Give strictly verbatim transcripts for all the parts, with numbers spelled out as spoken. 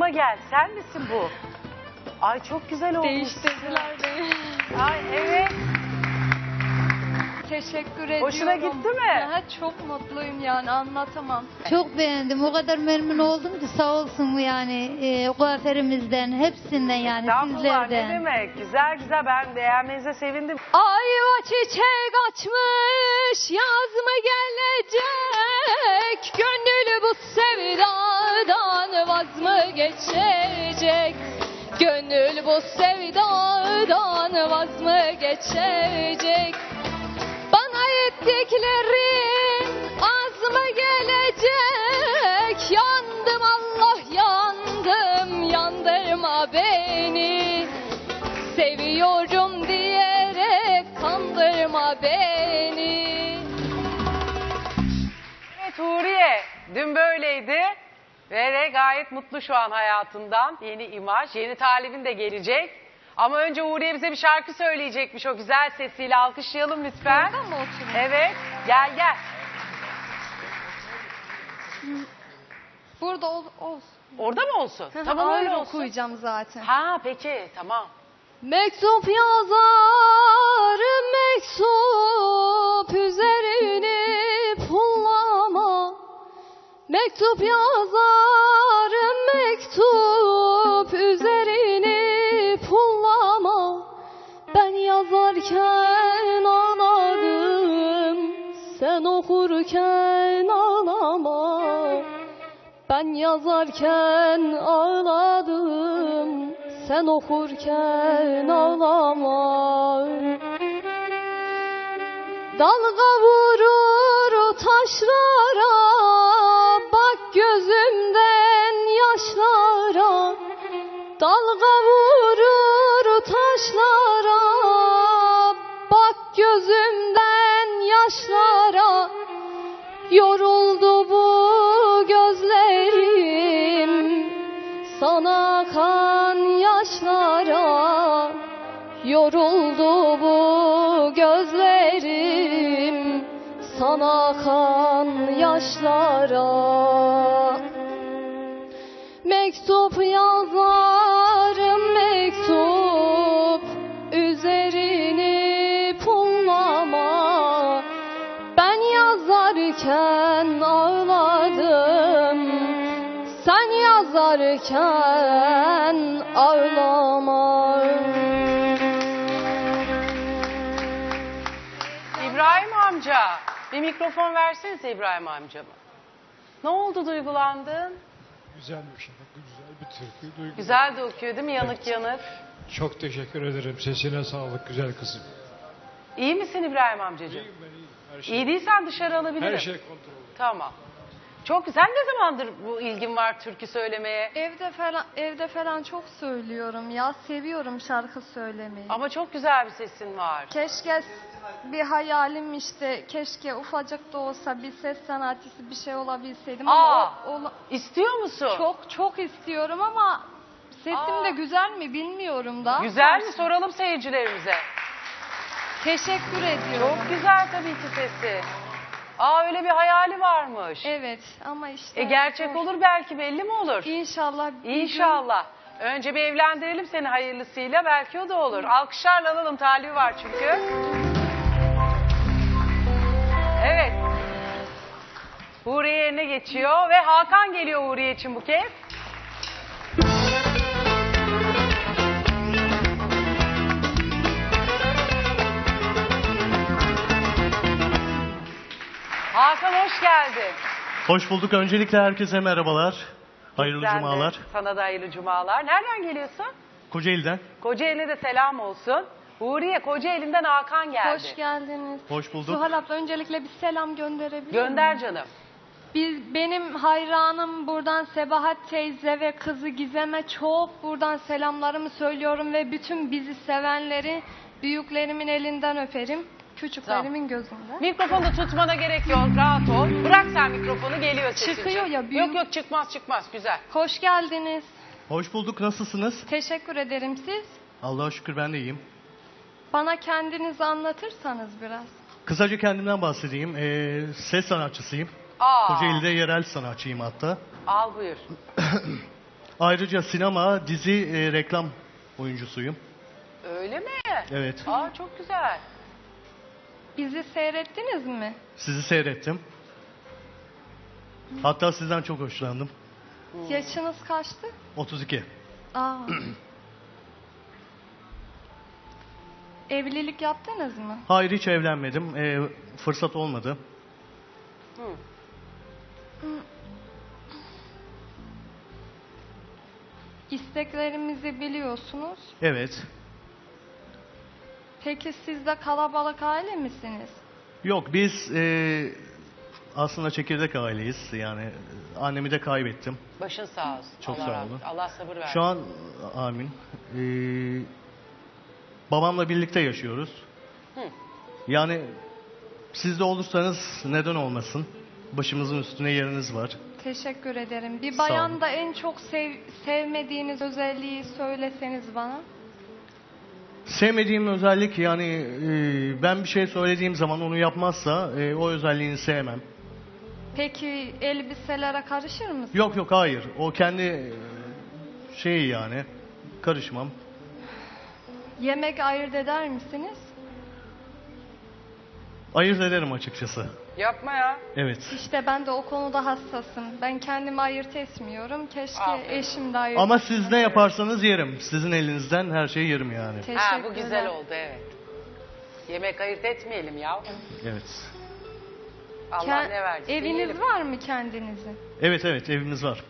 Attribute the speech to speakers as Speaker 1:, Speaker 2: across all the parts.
Speaker 1: yanıma gel. Sen misin bu? Ay çok güzel olmuş.
Speaker 2: Değiştirdiler beni.
Speaker 1: Ay evet.
Speaker 2: Teşekkür ediyorum.
Speaker 1: Hoşuna gitti mi?
Speaker 2: Ya, çok mutluyum yani anlatamam.
Speaker 3: Çok beğendim. O kadar memnun oldum ki sağ olsun yani e, kuaförümüzden, hepsinden yani
Speaker 1: Estağfurullah, ne
Speaker 3: sizlerden.
Speaker 1: demek. Güzel güzel, ben beğenmenize sevindim.
Speaker 2: Ayva çiçek açmış, yaz mı gelecek? Gönül bu sevdadan vaz mı geçecek? Gönül bu sevdadan vaz mı geçecek? Bana ettiklerin az mı gelecek? Yandım Allah yandım, yandırma beni. Seviyorum diyerek kandırma beni.
Speaker 1: Evet Huriye, dün böyleydi ve de gayet mutlu şu an hayatından. Yeni imaj, yeni talibin de gelecek. Ama önce Huriye bize bir şarkı söyleyecekmiş o güzel sesiyle. Alkışlayalım lütfen.
Speaker 2: Burada mı oturayım?
Speaker 1: Evet, gel gel.
Speaker 2: Burada ol, olsun.
Speaker 1: Orada mı olsun? Tamam öyle
Speaker 2: Ayrı
Speaker 1: olsun.
Speaker 2: okuyacağım zaten.
Speaker 1: Ha peki, tamam.
Speaker 2: Mektup yazarım mektup üzerini pullama. Mektup yazarım mektup üzerini pullama. Ben yazarken ağladım, sen okurken ağlama. Ben yazarken ağladım, sen okurken ağlama. Dalga vurur taşlara, bak gözümden yaşlara. Dalga vurur taşlara, bak gözümden yaşlara. Yoruldu bu gözlerim, sana akan yaşlara. Yoruldu bu gözlerim, sana akan yaşlara. Mektup yazarım mektup, üzerini pullama. Ben yazarken ağladım, sen yazarken ağlama.
Speaker 1: İbrahim amca, bir mikrofon versenize İbrahim amcama. Ne oldu, duygulandın?
Speaker 4: Güzel bir şarkı, güzel bir türkü. Duygu.
Speaker 1: Güzel de okuyor değil mi, yanık
Speaker 4: Evet.
Speaker 1: yanık?
Speaker 4: Çok teşekkür ederim. Sesine sağlık güzel kızım.
Speaker 1: İyi misin İbrahim amcacığım?
Speaker 4: İyiyim ben iyiyim. Her şey,
Speaker 1: İyi değilsen dışarı alabilirim.
Speaker 4: her şey kontrol.
Speaker 1: Tamam. Çok güzel. Ne zamandır bu ilgin var türkü söylemeye?
Speaker 2: Evde falan evde falan çok söylüyorum ya. Seviyorum şarkı söylemeyi.
Speaker 1: Ama çok güzel bir sesin var.
Speaker 2: Keşke bir hayalim işte, keşke ufacık da olsa bir ses sanatçısı bir şey olabilseydim
Speaker 1: Aa,
Speaker 2: ama o, ola-
Speaker 1: İstiyor musun?
Speaker 2: çok çok istiyorum ama sesim
Speaker 1: Aa.
Speaker 2: de güzel mi bilmiyorum da.
Speaker 1: Güzel mi? Soralım seyircilerimize.
Speaker 2: Teşekkür ediyorum.
Speaker 1: Çok güzel tabii ki sesi. Aa, öyle bir hayali varmış.
Speaker 2: Evet ama işte.
Speaker 1: E gerçek
Speaker 2: zor.
Speaker 1: olur belki, belli mi olur?
Speaker 2: İnşallah. bir gün-
Speaker 1: İnşallah. Önce bir evlendirelim seni hayırlısıyla, belki o da olur. Alkışlarla alalım, talibi var çünkü. Evet. Huriye yerine geçiyor ve Hakan geliyor Huriye için bu kez. Hakan hoş geldin.
Speaker 5: Hoş bulduk. Öncelikle herkese merhabalar. Hayırlı
Speaker 1: Sen de,
Speaker 5: cumalar.
Speaker 1: sana da hayırlı cumalar. Nereden geliyorsun?
Speaker 5: Kocaeli'den.
Speaker 1: Kocaeli'ne de selam olsun. Huriye, Kocaeli'nden Hakan geldi.
Speaker 2: Hoş geldiniz.
Speaker 5: Hoş bulduk.
Speaker 2: Zuhal abla öncelikle bir selam gönderebilir
Speaker 1: Gönder
Speaker 2: miyim?
Speaker 1: canım.
Speaker 2: Biz, benim hayranım buradan Sebahat teyze ve kızı Gizem'e çok buradan selamlarımı söylüyorum ve bütün bizi sevenleri büyüklerimin elinden öperim. Küçüklerimin gözünde.
Speaker 1: Mikrofonu da tutmana gerek yok. Rahat ol. Bırak sen mikrofonu, geliyor sesin.
Speaker 2: Çıkıyor ya, büyük-
Speaker 1: Yok yok, çıkmaz çıkmaz. Güzel.
Speaker 2: Hoş geldiniz.
Speaker 5: Hoş bulduk. Nasılsınız?
Speaker 2: Teşekkür ederim siz.
Speaker 5: Allah'a şükür ben de iyiyim.
Speaker 2: Bana kendinizi anlatırsanız biraz.
Speaker 5: Kısaca kendimden bahsedeyim. Ee, ses sanatçısıyım.
Speaker 1: Aa,
Speaker 5: Kocaeli'de yerel sanatçıyım hatta.
Speaker 1: al buyur.
Speaker 5: Ayrıca sinema, dizi, e, reklam oyuncusuyum.
Speaker 1: Öyle mi?
Speaker 5: Evet.
Speaker 1: Aa, çok güzel.
Speaker 2: Bizi seyrettiniz mi?
Speaker 5: Sizi seyrettim. Hatta sizden çok hoşlandım.
Speaker 2: Yaşınız kaçtı?
Speaker 5: otuz iki.
Speaker 2: Aa. Evlilik yaptınız mı?
Speaker 5: Hayır, hiç evlenmedim. E, fırsat olmadı.
Speaker 1: Hı.
Speaker 2: İsteklerimizi biliyorsunuz.
Speaker 5: Evet.
Speaker 2: Peki siz de kalabalık aile misiniz?
Speaker 5: Yok, biz e, aslında çekirdek aileyiz. Yani e, annemi de kaybettim.
Speaker 1: Başın sağ olsun.
Speaker 5: Çok
Speaker 1: Allah
Speaker 5: sağ
Speaker 1: rahmet-
Speaker 5: olun.
Speaker 1: Allah sabır versin.
Speaker 5: Şu an amin. E, babamla birlikte yaşıyoruz.
Speaker 1: Hı.
Speaker 5: Yani siz de olursanız neden olmasın? Başımızın üstüne yeriniz var.
Speaker 2: Teşekkür ederim. Bir
Speaker 5: Sağ olun.
Speaker 2: bayanda en çok sev- sevmediğiniz özelliği söyleseniz bana.
Speaker 5: Sevmediğim özellik yani e, ben bir şey söylediğim zaman onu yapmazsa e, o özelliğini sevmem.
Speaker 2: Peki elbiselere karışır mısınız?
Speaker 5: Yok yok hayır. O kendi e, şeyi yani. Karışmam.
Speaker 2: Yemek ayırt eder misiniz?
Speaker 5: Ayırt ederim açıkçası.
Speaker 1: Yapma ya.
Speaker 5: Evet.
Speaker 2: İşte ben de o konuda hassasım. Ben kendimi ayırt etmiyorum. Keşke
Speaker 1: Aferin.
Speaker 2: eşim de ayırt
Speaker 5: Ama siz ne yaparsanız yerim. Sizin elinizden her şeyi yerim yani.
Speaker 2: Teşekkürler.
Speaker 1: Ha, bu güzel oldu, evet. Yemek ayırt etmeyelim ya.
Speaker 5: Evet.
Speaker 1: Allah
Speaker 2: Ke-
Speaker 1: ne verdiyse
Speaker 2: Eviniz
Speaker 1: yiyelim.
Speaker 2: var mı kendinizin?
Speaker 5: Evet evet evimiz var.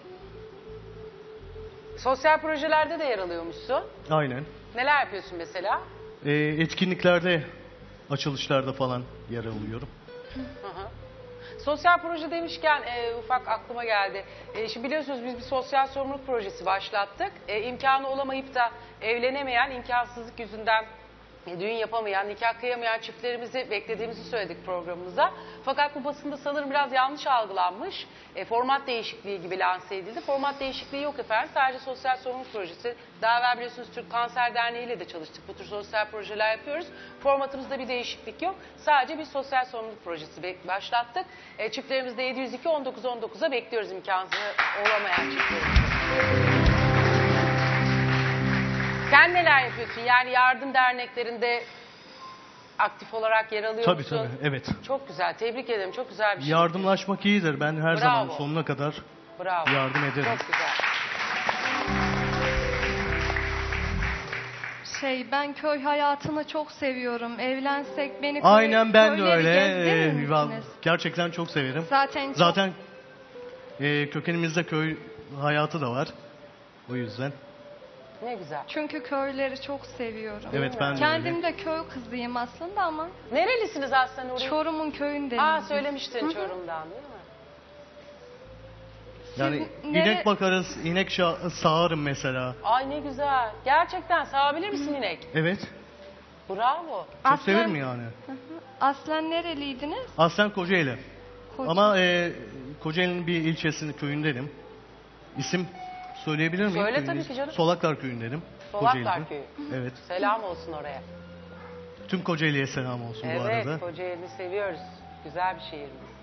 Speaker 1: Sosyal projelerde de yer alıyormuşsun.
Speaker 5: Aynen.
Speaker 1: Neler yapıyorsun mesela?
Speaker 5: E, etkinliklerde, açılışlarda falan yer alıyorum.
Speaker 1: Hı hı. Sosyal proje demişken e, ufak aklıma geldi. E, şimdi biliyorsunuz biz bir sosyal sorumluluk projesi başlattık. E, imkanı olamayıp da evlenemeyen, imkansızlık yüzünden e, düğün yapamayan, nikah kıyamayan çiftlerimizi beklediğimizi söyledik programımıza. Fakat bu basında sanırım biraz yanlış algılanmış. E, format değişikliği gibi lanse edildi. Format değişikliği yok efendim. Sadece sosyal sorumluluk projesi. Daha evvel biliyorsunuz Türk Kanser Derneği ile de çalıştık. Bu tür sosyal projeler yapıyoruz. Formatımızda bir değişiklik yok. Sadece bir sosyal sorumluluk projesi be- başlattık. E, çiftlerimizde yedi yüz iki on dokuz on dokuza bekliyoruz imkansız olamayan çiftlerimizi. Sen neler yapıyorsun? Yani yardım derneklerinde aktif olarak yer alıyor
Speaker 5: Tabii
Speaker 1: musun?
Speaker 5: tabii evet.
Speaker 1: Çok güzel. Tebrik ederim. Çok güzel bir şey.
Speaker 5: Yardımlaşmak iyidir. Ben her
Speaker 1: Bravo.
Speaker 5: zaman sonuna kadar
Speaker 1: Bravo.
Speaker 5: yardım ederim.
Speaker 1: Çok güzel.
Speaker 2: Şey, ben köy hayatını çok seviyorum. Evlensek beni köy,
Speaker 5: Aynen ben de
Speaker 2: köyleri
Speaker 5: öyle.
Speaker 2: gezdirir
Speaker 5: Ee, ben
Speaker 2: misiniz?
Speaker 5: gerçekten çok severim.
Speaker 2: Zaten çok,
Speaker 5: Zaten e, kökenimizde köy hayatı da var. O yüzden.
Speaker 1: Ne güzel.
Speaker 2: çünkü köyleri çok seviyorum.
Speaker 5: Evet ben de
Speaker 2: Kendim
Speaker 5: öyle.
Speaker 2: de köy kızıyım aslında ama
Speaker 1: Nerelisiniz aslında Nuri?
Speaker 2: Çorum'un köyündeyiz.
Speaker 1: Aa
Speaker 2: biz.
Speaker 1: söylemiştin Çorum'dan değil mi?
Speaker 5: Yani
Speaker 2: Siz nere-
Speaker 5: inek bakarız, inek şa- sağarım mesela.
Speaker 1: Ay ne güzel. Gerçekten sağabilir misin inek?
Speaker 5: Evet.
Speaker 1: Bravo.
Speaker 5: Çok
Speaker 2: Aslen-
Speaker 5: severim yani.
Speaker 2: Aslen nereliydiniz?
Speaker 5: Aslen Kocaeli.
Speaker 2: Koca-
Speaker 5: Ama e, Kocaeli'nin bir ilçesinin köyündenim. İsim söyleyebilir miyim?
Speaker 1: Söyle
Speaker 5: Köyün
Speaker 1: tabii
Speaker 5: ismi?
Speaker 1: ki canım.
Speaker 5: Solaklar köyündenim.
Speaker 1: Solaklar
Speaker 5: Kocaeli'de.
Speaker 1: Köyü.
Speaker 5: Evet.
Speaker 1: Selam olsun oraya.
Speaker 5: Tüm Kocaeli'ye selam olsun bu
Speaker 1: Evet,
Speaker 5: arada.
Speaker 1: Kocaeli'ni seviyoruz. Güzel bir şehrimiz.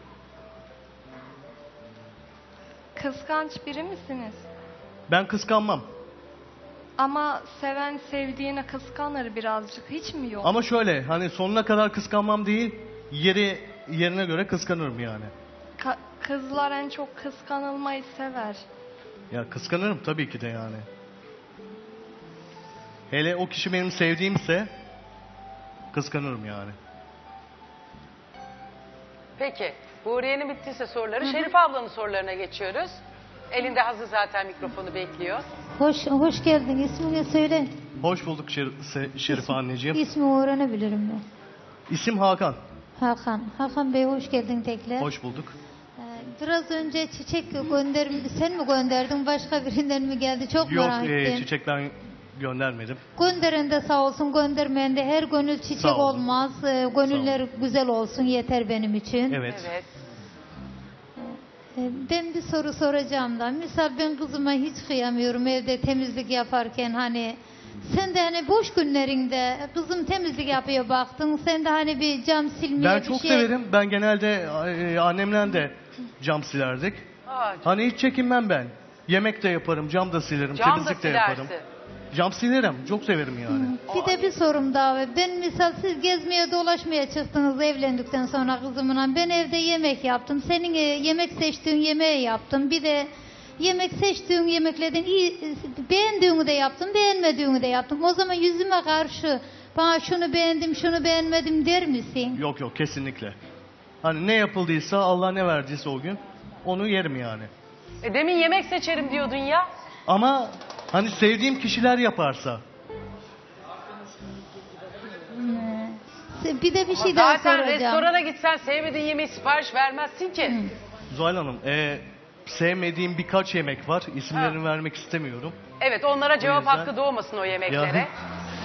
Speaker 2: Kıskanç biri misiniz?
Speaker 5: Ben kıskanmam.
Speaker 2: Ama seven sevdiğine kıskanır birazcık. Hiç mi yok?
Speaker 5: Ama şöyle hani sonuna kadar kıskanmam değil, yeri yerine göre kıskanırım yani.
Speaker 2: Ka- kızlar en çok kıskanılmayı sever.
Speaker 5: Ya kıskanırım tabii ki de yani. Hele o kişi benim sevdiğimse kıskanırım yani.
Speaker 1: Peki. Huriye'nin bittiyse soruları. Şerif ablanın sorularına geçiyoruz. Elinde hazır zaten mikrofonu bekliyor.
Speaker 3: Hoş hoş geldin. İsmini söyle.
Speaker 5: Hoş bulduk Şer- Se- Şerife anneciğim.
Speaker 3: İsmi öğrenebilirim mi?
Speaker 5: İsim Hakan.
Speaker 3: Hakan. Hakan Bey hoş geldin tekrar.
Speaker 5: Hoş bulduk.
Speaker 3: Ee, Biraz önce çiçek gönder sen mi gönderdin başka birinden mi geldi çok
Speaker 5: Yok
Speaker 3: merak
Speaker 5: e,
Speaker 3: ettim.
Speaker 5: çiçek ben göndermedim.
Speaker 3: Gönderen de sağ olsun göndermeyen de her gönül çiçek
Speaker 5: Sağ olun.
Speaker 3: olmaz. Ee, Gönüller güzel olsun yeter benim için.
Speaker 5: Evet.
Speaker 1: Evet.
Speaker 3: Ee, Ben bir soru soracağım da. Misal ben kızıma hiç kıyamıyorum evde temizlik yaparken hani sen de hani boş günlerinde kızım temizlik yapıyor baktın sen de hani bir cam silmeye
Speaker 5: Ben
Speaker 3: bir
Speaker 5: çok
Speaker 3: şey.
Speaker 5: severim. Ben genelde e, annemle de cam silerdik.
Speaker 1: Aa,
Speaker 5: Hani hiç çekinmem ben. Yemek de yaparım, cam da silerim,
Speaker 1: Cam da
Speaker 5: temizlik de yaparım.
Speaker 1: silersin.
Speaker 5: Cam silerim, çok severim yani.
Speaker 3: Bir de bir sorum daha var. Ben misal siz gezmeye dolaşmaya çıktınız evlendikten sonra kızımla. Ben evde yemek yaptım. Senin e, yemek seçtiğin yemeği yaptım. Bir de yemek seçtiğin yemeklerden iyi, beğendiğini de yaptım, beğenmediğini de yaptım. O zaman yüzüme karşı bana şunu beğendim, şunu beğenmedim der misin?
Speaker 5: Yok yok, kesinlikle. Hani ne yapıldıysa, Allah ne verdiyse o gün onu yerim yani.
Speaker 1: E demin yemek seçerim diyordun ya.
Speaker 5: Ama hani sevdiğim kişiler yaparsa.
Speaker 3: Se- Bir de bir şey daha
Speaker 1: Zaten
Speaker 3: soracağım.
Speaker 1: restorana gitsen sevmediğin yemeği sipariş vermezsin ki.
Speaker 5: Zuhal Hanım, e, sevmediğim birkaç yemek var. İsimlerini
Speaker 1: Ha.
Speaker 5: vermek istemiyorum.
Speaker 1: Evet, onlara cevap
Speaker 5: yüzden-
Speaker 1: hakkı doğmasın o yemeklere.
Speaker 5: Ya.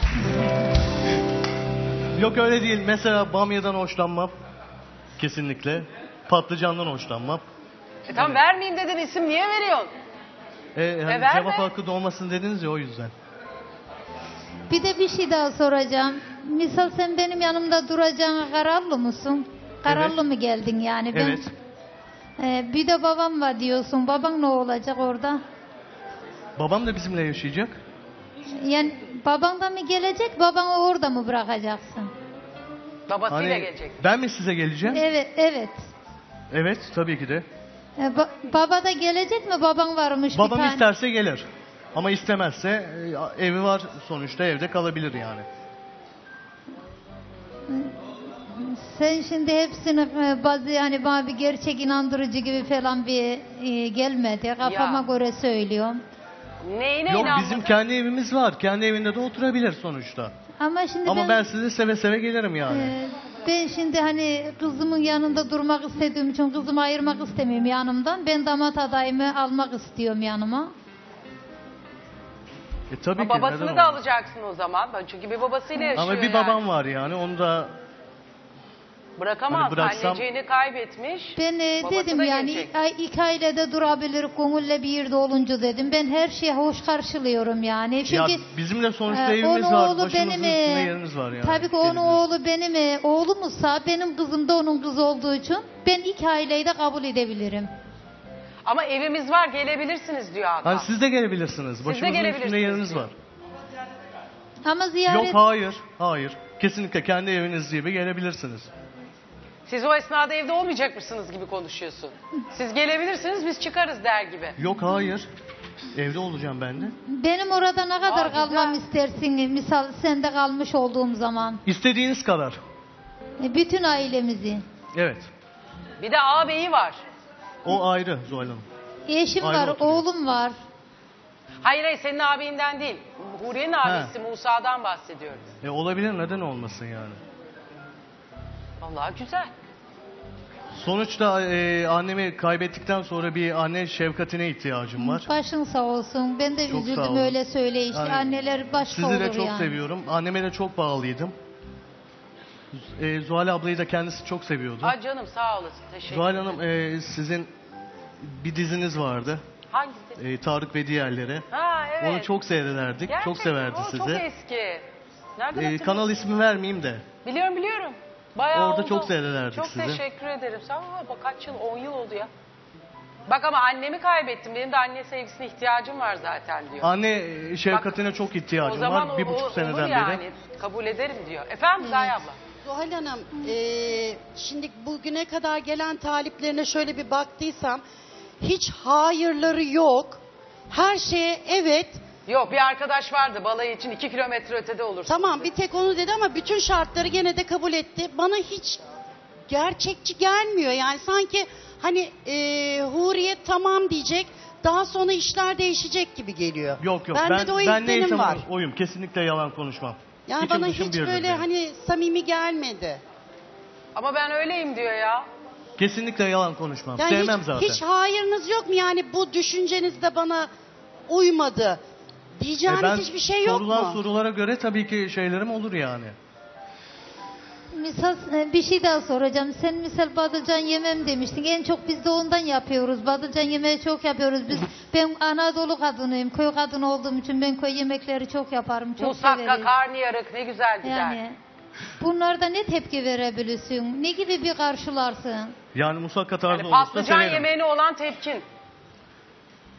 Speaker 5: Yok öyle değil. Mesela bamyadan hoşlanmam. Kesinlikle. Patlıcandan hoşlanmam.
Speaker 1: E tamam, vermeyeyim dedin, isim niye veriyorsun?
Speaker 5: E, hani
Speaker 1: verme.
Speaker 5: cevap hakkı doğmasın dediniz ya, o yüzden.
Speaker 3: Bir de bir şey daha soracağım. Misal sen benim yanımda duracağına kararlı mısın? Kararlı
Speaker 5: Evet.
Speaker 3: mı geldin yani? Ben,
Speaker 5: Evet.
Speaker 3: Ee, bir de babam var diyorsun. Baban ne olacak orada?
Speaker 5: Babam da bizimle yaşayacak.
Speaker 3: Yani baban da mı gelecek, babanı orada mı bırakacaksın?
Speaker 1: Babasıyla
Speaker 5: Hani
Speaker 1: gelecek.
Speaker 5: ben mi size geleceğim?
Speaker 3: Evet, evet.
Speaker 5: Evet, tabii ki de.
Speaker 3: Ee, ba- baba da gelecek mi? Baban varmış bir
Speaker 5: Babam
Speaker 3: tane.
Speaker 5: isterse gelir. Ama istemezse e, evi var, sonuçta evde kalabilir yani.
Speaker 3: Sen şimdi hepsini e, bazı yani bana bir gerçek inandırıcı gibi falan bir e, gelmedi. Kafama
Speaker 1: Ya.
Speaker 3: göre söylüyorum.
Speaker 1: Neyine
Speaker 5: Yok,
Speaker 1: inanmadın?
Speaker 5: bizim kendi evimiz var. Kendi evinde de oturabilir sonuçta.
Speaker 3: Ama şimdi
Speaker 5: Ama
Speaker 3: ben,
Speaker 5: ben size seve seve gelirim yani.
Speaker 3: e, ben şimdi hani kızımın yanında durmak istediğim için kızımı ayırmak istemiyorum yanımdan. Ben damat adayımı almak istiyorum yanıma.
Speaker 5: E tabii
Speaker 1: Ama
Speaker 5: ki.
Speaker 1: babasını
Speaker 5: neden
Speaker 1: da
Speaker 5: olmasın?
Speaker 1: alacaksın o zaman. Ben çünkü bir babasıyla yaşıyor
Speaker 5: Ama bir
Speaker 1: yani.
Speaker 5: babam var yani. Onu da
Speaker 1: Bırakamaz.
Speaker 5: Hani bıraksam-
Speaker 1: Anneciğini kaybetmiş.
Speaker 3: Ben e,
Speaker 1: Babası
Speaker 3: dedim
Speaker 1: da
Speaker 3: yani
Speaker 1: gelecek.
Speaker 3: ay, iki ailede durabilir, gönülle bir yerde olunca dedim. Ben her şeye hoş karşılıyorum yani.
Speaker 5: ya
Speaker 3: Çünkü
Speaker 5: bizim de sonuçta
Speaker 3: Ee,
Speaker 5: evimiz
Speaker 3: onun
Speaker 5: var.
Speaker 3: oğlu
Speaker 5: Başımızın
Speaker 3: benim,
Speaker 5: üstünde
Speaker 3: e,
Speaker 5: yeriniz var yani.
Speaker 3: Tabii ki onun
Speaker 5: Eliniz.
Speaker 3: oğlu benim e, oğlumuzsa benim kızım da onun kızı olduğu için ben iki aileyi de kabul edebilirim.
Speaker 1: Ama evimiz var, gelebilirsiniz diyor Hakan.
Speaker 5: Hani siz de gelebilirsiniz.
Speaker 1: de
Speaker 5: Başımızın
Speaker 1: gelebilirsiniz
Speaker 5: üstünde yeriniz
Speaker 1: diyor.
Speaker 5: var.
Speaker 3: Ama ziyaret
Speaker 5: Yok, hayır. Hayır. Kesinlikle kendi eviniz gibi gelebilirsiniz.
Speaker 1: Siz o esnada evde olmayacakmışsınız gibi konuşuyorsun. Siz gelebilirsiniz, biz çıkarız der gibi.
Speaker 5: Yok, hayır. Evde olacağım ben de.
Speaker 3: benim orada ne kadar
Speaker 1: Aa,
Speaker 3: kalmam
Speaker 1: güzel.
Speaker 3: istersin misal sende kalmış olduğum zaman.
Speaker 5: İstediğiniz kadar.
Speaker 3: E, bütün ailemizi.
Speaker 5: Evet.
Speaker 1: Bir de ağabeyi var.
Speaker 5: O ayrı Zuhal Hanım.
Speaker 3: Eşim
Speaker 5: Ayrı
Speaker 3: var,
Speaker 5: oturuyor.
Speaker 3: oğlum var.
Speaker 1: Hayır hayır, senin abiyinden değil. Huriye'nin abisi Musa'dan bahsediyorum.
Speaker 5: E olabilir, neden olmasın yani.
Speaker 1: Vallahi güzel.
Speaker 5: Sonuçta e, annemi kaybettikten sonra bir anne şefkatine ihtiyacım var.
Speaker 3: Başın sağ olsun. Ben de
Speaker 5: Çok sağ
Speaker 3: üzüldüm
Speaker 5: olun.
Speaker 3: öyle söyle işte.
Speaker 5: Yani
Speaker 3: Anneler başka
Speaker 5: Sizi
Speaker 3: olur
Speaker 5: de çok
Speaker 3: yani.
Speaker 5: seviyorum. Anneme de çok bağlıydım. E, Zuhal ablayı da kendisi çok seviyordu.
Speaker 1: Ay canım, sağ olasın. Teşekkür
Speaker 5: Zuhal
Speaker 1: ederim.
Speaker 5: Hanım, e, sizin bir diziniz vardı.
Speaker 1: Hangisi?
Speaker 5: E, Tarık ve diğerleri.
Speaker 1: Ha evet.
Speaker 5: Onu çok seyrederdik.
Speaker 1: Gerçekten,
Speaker 5: çok severdi
Speaker 1: o
Speaker 5: sizi.
Speaker 1: Çok eski. Nereden
Speaker 5: E,
Speaker 1: hatırlıyorsun?
Speaker 5: kanal ismi vermeyeyim de.
Speaker 1: Biliyorum biliyorum. Bayağı
Speaker 5: Orada
Speaker 1: oldu.
Speaker 5: çok seyrederdik
Speaker 1: Çok
Speaker 5: sizi.
Speaker 1: teşekkür ederim. Sağ ol. Bak kaç yıl, on yıl oldu ya. Bak ama annemi kaybettim. Benim de anne sevgisine ihtiyacım var zaten diyor.
Speaker 5: Anne e, şefkatine çok
Speaker 1: o
Speaker 5: ihtiyacım
Speaker 1: zaman
Speaker 5: var. Bir
Speaker 1: o-
Speaker 5: buçuk
Speaker 1: o-
Speaker 5: seneden
Speaker 1: olur yani.
Speaker 5: beri.
Speaker 1: Kabul ederim diyor. Efendim Gaye abla.
Speaker 6: Zuhal Hanım, eee, şimdi bugüne kadar gelen taliplerine şöyle bir baktıysam hiç hayırları yok. Her şeye evet.
Speaker 1: Yok, bir arkadaş vardı balayı için iki kilometre ötede olursun.
Speaker 6: Tamam, bir tek onu dedi ama bütün şartları gene de kabul etti. Bana hiç gerçekçi gelmiyor. Yani sanki hani eee Huriye tamam diyecek, daha sonra işler değişecek gibi geliyor.
Speaker 5: Yok yok,
Speaker 6: Bende
Speaker 5: ben,
Speaker 6: de o
Speaker 5: ben
Speaker 6: izlenim
Speaker 5: neysem
Speaker 6: var.
Speaker 5: oyum. Kesinlikle yalan konuşmam.
Speaker 6: Yani
Speaker 5: İçim
Speaker 6: bana
Speaker 5: dışım
Speaker 6: hiç
Speaker 5: birdir
Speaker 6: böyle
Speaker 5: benim.
Speaker 6: hani samimi gelmedi.
Speaker 1: Ama ben öyleyim diyor ya.
Speaker 5: Kesinlikle yalan konuşmam.
Speaker 6: Yani
Speaker 5: Sevmem
Speaker 6: hiç,
Speaker 5: zaten.
Speaker 6: hiç hayırınız yok mu yani bu düşünceniz de bana uymadı
Speaker 5: E,
Speaker 6: diyeceğiniz
Speaker 5: ben
Speaker 6: hiçbir şey yok
Speaker 5: sorulan
Speaker 6: mu?
Speaker 5: sorulara göre tabii ki şeylerim olur yani.
Speaker 3: Misal e, bir şey daha soracağım. Sen misal badılcan yemem demiştin. En çok biz de ondan yapıyoruz. Badılcan yemeği çok yapıyoruz biz. Ben Anadolu kadınıyım. Köy kadını olduğum için ben köy yemekleri çok yaparım. Çok
Speaker 1: Musakka,
Speaker 3: severim.
Speaker 1: karnıyarık ne güzel gider.
Speaker 3: Yani bunlarda ne tepki verebilirsin? Ne gibi bir karşılarsın?
Speaker 5: Yani musakka tarzı
Speaker 1: Yani
Speaker 5: olursa
Speaker 1: patlıcan
Speaker 5: severim.
Speaker 1: yemeğine olan tepkin.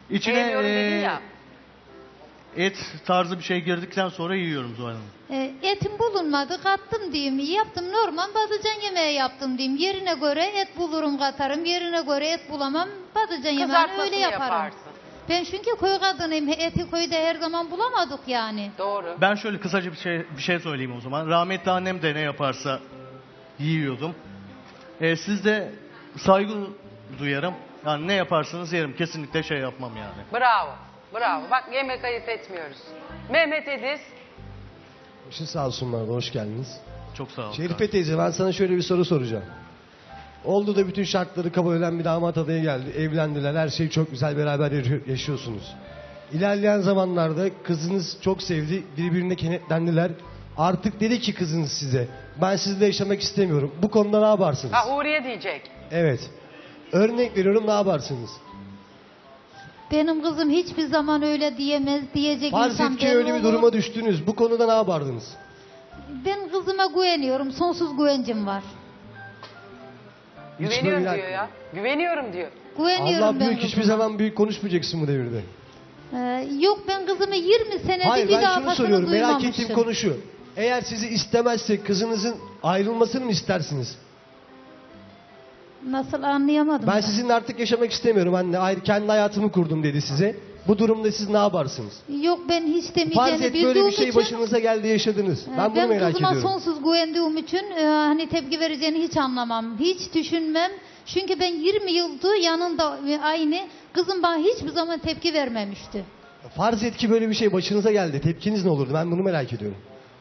Speaker 5: İçine
Speaker 1: Sevmiyorum dedin
Speaker 5: e,
Speaker 1: ya.
Speaker 5: et tarzı bir şey girdikten sonra yiyorum Zuhal Hanım.
Speaker 3: E, etim bulunmadı, kattım diyeyim. Yaptım normal patlıcan yemeği yaptım diyeyim. Yerine göre et bulurum katarım. Yerine göre et bulamam. Patlıcan yemeğini
Speaker 1: Kızartmasını
Speaker 3: öyle yaparım.
Speaker 1: yaparsın.
Speaker 3: Ben çünkü köy kadınıyım. Eti köyde her zaman bulamadık yani.
Speaker 1: Doğru.
Speaker 5: Ben şöyle kısaca bir şey bir şey söyleyeyim o zaman. Rahmetli annem de ne yaparsa yiyordum. E, siz de saygı duyarım. Yani ne yaparsanız yerim. Kesinlikle şey yapmam yani.
Speaker 1: Bravo. Bravo. Bak yemek ayıp etmiyoruz. Mehmet Ediz.
Speaker 7: Başın sağ olsun bana, hoş geldiniz.
Speaker 5: Çok sağ olun.
Speaker 7: Şerife teyze, ben sana şöyle bir soru soracağım. Oldu da bütün şartları kabul eden bir damat adayı geldi. Evlendiler, her şey çok güzel, beraber yaşıyor- yaşıyorsunuz. İlerleyen zamanlarda kızınız çok sevdi, birbirine kenetlendiler. Artık dedi ki kızınız size, ben sizinle yaşamak istemiyorum. Bu konuda ne yaparsınız?
Speaker 1: Ha Huriye diyecek.
Speaker 7: Evet. Örnek veriyorum, ne yaparsınız?
Speaker 3: Benim kızım hiçbir zaman öyle diyemez, diyecek
Speaker 7: Farz
Speaker 3: insan
Speaker 7: et ki
Speaker 3: ben
Speaker 7: öyle bir
Speaker 3: olurum.
Speaker 7: duruma düştünüz. Bu konuda ne yapardınız?
Speaker 3: Ben kızıma güveniyorum, sonsuz güvencim var.
Speaker 1: Güveniyorum
Speaker 7: böyle-
Speaker 1: diyor ya. Güveniyorum diyor.
Speaker 3: Güveniyorum
Speaker 7: Allah
Speaker 3: ben
Speaker 7: büyük, hiçbir
Speaker 3: kızıma.
Speaker 7: zaman büyük konuşmayacaksın bu devirde.
Speaker 3: Ee, yok ben kızımı yirmi senedir
Speaker 7: Hayır,
Speaker 3: bir
Speaker 7: ben
Speaker 3: daha
Speaker 7: şunu
Speaker 3: kafasını
Speaker 7: soruyorum, merak
Speaker 3: duymamışım.
Speaker 7: ettiğim konu şu. Eğer sizi istemezse kızınızın ayrılmasını mı istersiniz?
Speaker 3: Nasıl anlayamadım
Speaker 7: Ben sizinle artık yaşamak istemiyorum anne. Ayrı, kendi hayatımı kurdum dedi size. Bu durumda siz ne yaparsınız?
Speaker 3: Yok ben hiç
Speaker 7: Farz
Speaker 3: demeyeceğini
Speaker 7: et
Speaker 3: bildiğim
Speaker 7: böyle bir şey
Speaker 3: için.
Speaker 7: başınıza geldi, yaşadınız.
Speaker 3: e,
Speaker 7: Ben bunu
Speaker 3: ben
Speaker 7: merak
Speaker 3: kızıma
Speaker 7: ediyorum.
Speaker 3: sonsuz güvendiğim için e, hani tepki vereceğini hiç anlamam. Hiç düşünmem. Çünkü ben yirmi yıldır yanında e, aynı. Kızım bana hiçbir zaman tepki vermemişti.
Speaker 7: Farz et ki böyle bir şey başınıza geldi. Tepkiniz ne olurdu? Ben bunu merak ediyorum.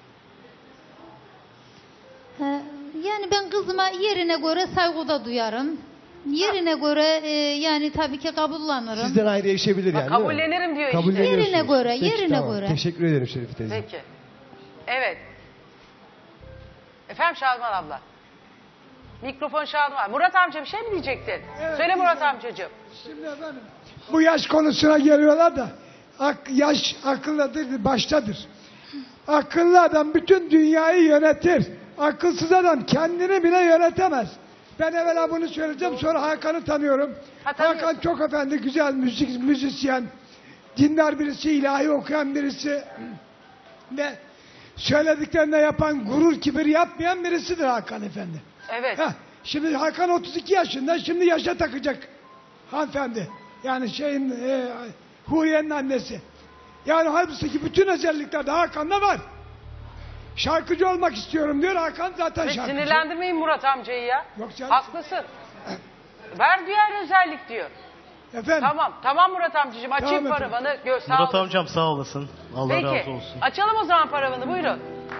Speaker 3: E, yani ben kızıma yerine göre saygıda duyarım. Yerine göre e, yani tabii ki kabullanırım.
Speaker 7: Sizden ayrı yaşayabilir
Speaker 1: Bak,
Speaker 7: yani, değil mi?
Speaker 1: kabullenirim diyor işte.
Speaker 7: Kabulleniyorsunuz.
Speaker 3: Yerine göre,
Speaker 7: Peki,
Speaker 3: yerine
Speaker 7: tamam.
Speaker 3: göre.
Speaker 7: Teşekkür ederim Şerife teyze.
Speaker 1: Peki. Evet. Efendim Şadan abla. Mikrofon Şadan. Murat amca bir şey mi diyecektin? Söyle Murat amcacığım.
Speaker 8: Şimdi efendim bu yaş konusuna geliyorlar da ak, yaş akıllıdır baştadır. Akıllı adam bütün dünyayı yönetir. Akılsız adam kendini bile yönetemez. Ben evvela bunu söyleyeceğim, sonra Hakan'ı tanıyorum.
Speaker 1: Ha, tanıyorsun.
Speaker 8: Hakan çok efendi, güzel müzik müzisyen, dindar birisi, ilahi okuyan birisi ve söylediklerine yapan, gurur kibir yapmayan birisidir Hakan efendi.
Speaker 1: Evet.
Speaker 8: Heh, şimdi Hakan otuz iki yaşında, şimdi yaşa takacak hanımefendi. Yani şeyin, e, Huriye'nin annesi. Yani halbuki bütün özellikler de Hakan'da var. Şarkıcı olmak istiyorum diyor, Hakan zaten
Speaker 1: Ve
Speaker 8: şarkıcı.
Speaker 1: sinirlendirmeyin Murat amcayı ya.
Speaker 8: Yok canım.
Speaker 1: Haklısın. Ver diğer özellik diyor.
Speaker 8: Efendim,
Speaker 1: Tamam. Tamam Murat amcacığım. Açayım
Speaker 8: Tamam
Speaker 1: paravanı. Gö sağ
Speaker 5: Murat
Speaker 1: olasın.
Speaker 5: amcam sağ olasın. Allah
Speaker 1: Peki.
Speaker 5: razı olsun.
Speaker 1: Açalım o zaman paravanı. Buyurun.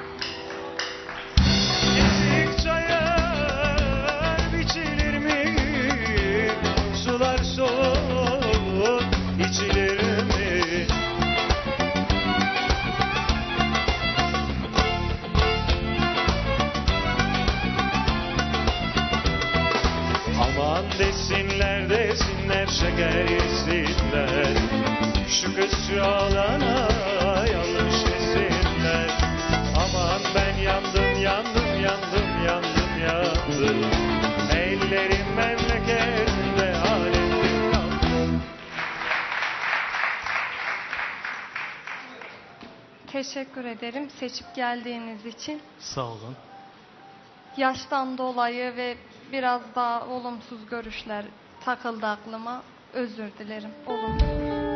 Speaker 9: Ezik çayır biçilir mi? Sular soğuk içilir mi? Aman desinler desinler şeker yesinler. Şu kız şu alana yanlış desinler. Aman ben yandım yandım yandım yandım yandım. Ellerim memleketinde alemim yandım.
Speaker 2: Teşekkür ederim seçip geldiğiniz için.
Speaker 5: Sağ olun.
Speaker 2: Yaştan dolayı ve biraz daha olumsuz görüşler takıldı aklıma. Özür dilerim. Olumsuz.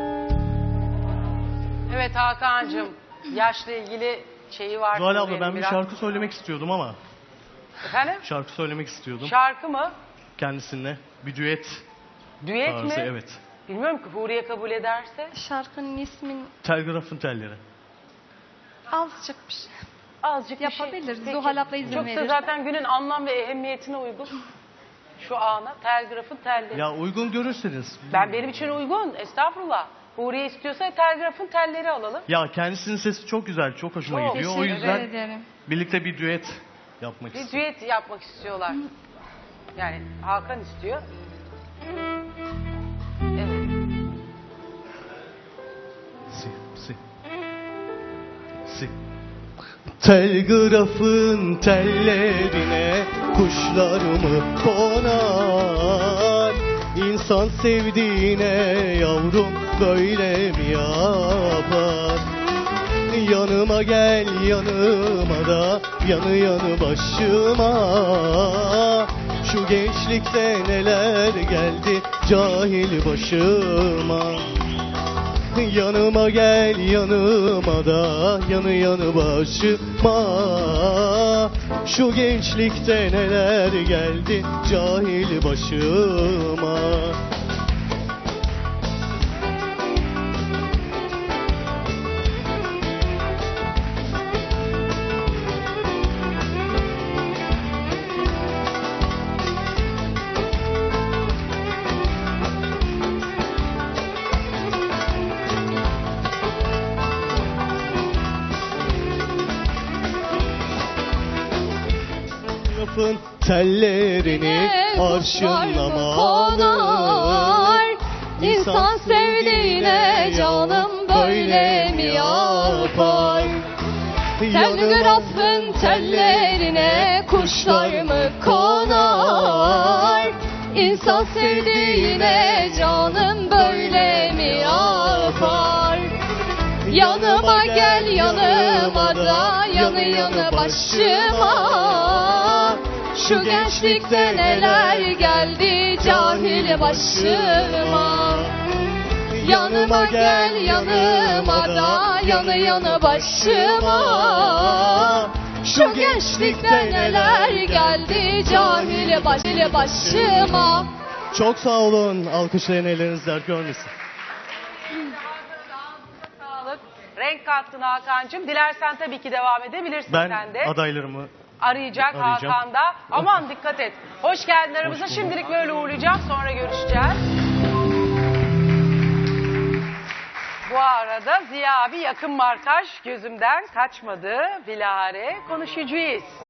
Speaker 1: Evet Hakan'cığım. Yaşla ilgili şeyi var.
Speaker 5: Zuhal abla
Speaker 1: Huriye'nin
Speaker 5: ben bir
Speaker 1: biraz.
Speaker 5: şarkı söylemek istiyordum ama.
Speaker 1: Efendim?
Speaker 5: Şarkı söylemek istiyordum
Speaker 1: Şarkı mı?
Speaker 5: kendisiyle. Bir düet
Speaker 1: Düet
Speaker 5: tarzı,
Speaker 1: mi?
Speaker 5: evet.
Speaker 1: Bilmiyorum ki Huriye kabul ederse.
Speaker 2: Şarkının ismin
Speaker 5: Telgrafın telleri.
Speaker 2: azıcık bir şey.
Speaker 1: Azıcık bir
Speaker 2: Yapabiliriz.
Speaker 1: şey.
Speaker 2: Zuhal abla izin
Speaker 1: Çok da
Speaker 2: verir.
Speaker 1: zaten günün anlam ve ehemmiyetine uygun. Şu ana telgrafın telleri.
Speaker 5: Ya uygun görürseniz.
Speaker 1: Ben benim için uygun. Estağfurullah. Huriye istiyorsa telgrafın telleri alalım.
Speaker 5: Ya kendisinin sesi çok güzel, çok hoşuma
Speaker 1: Çok.
Speaker 5: gidiyor. O
Speaker 2: Teşekkür
Speaker 5: yüzden
Speaker 2: ederim.
Speaker 5: birlikte bir düet yapmak
Speaker 1: Bir
Speaker 5: istiyorum.
Speaker 1: düet yapmak istiyorlar. Yani Hakan istiyor. Evet.
Speaker 5: Si, si. Si. Telgrafın tellerine kuşlarımı konar, İnsan sevdiğine yavrum böyle mi yapar? Yanıma gel yanıma da yanı yanı başıma. Şu gençlikte neler geldi cahil başıma. Yanıma gel yanıma da yanı yanı başıma. Şu gençlikte neler geldi cahil başıma. Lafın tellerini arşınla mı alır?
Speaker 2: İnsan sevdiğine canım böyle mi yapar? Telgrafın tellerine kuşlar mı konar? İnsan sevdiğine canım böyle mi yapar? Yanıma gel yanıma da yanı yanı başıma. Şu gençlikte neler geldi cahil başıma. Yanıma gel yanıma da yanı yanı başıma. Şu gençlikte neler geldi cahil baş- başıma.
Speaker 5: Çok sağ olun. Alkışlayın, elleriniz dert görmesin.
Speaker 1: Sağlık. Renk kattın Hakan'cığım. Dilersen tabii ki devam edebilirsin
Speaker 5: Ben
Speaker 1: sen de.
Speaker 5: adaylarımı
Speaker 1: Arayacak
Speaker 5: arayacağım.
Speaker 1: Hakan da. Aman dikkat et. Hoş geldin aramıza.
Speaker 5: bulduk.
Speaker 1: Şimdilik böyle uğurlayacağım. Sonra görüşeceğiz. Bu arada Ziya abi yakın markaj gözümden kaçmadı. Bilahare konuşucuyuz.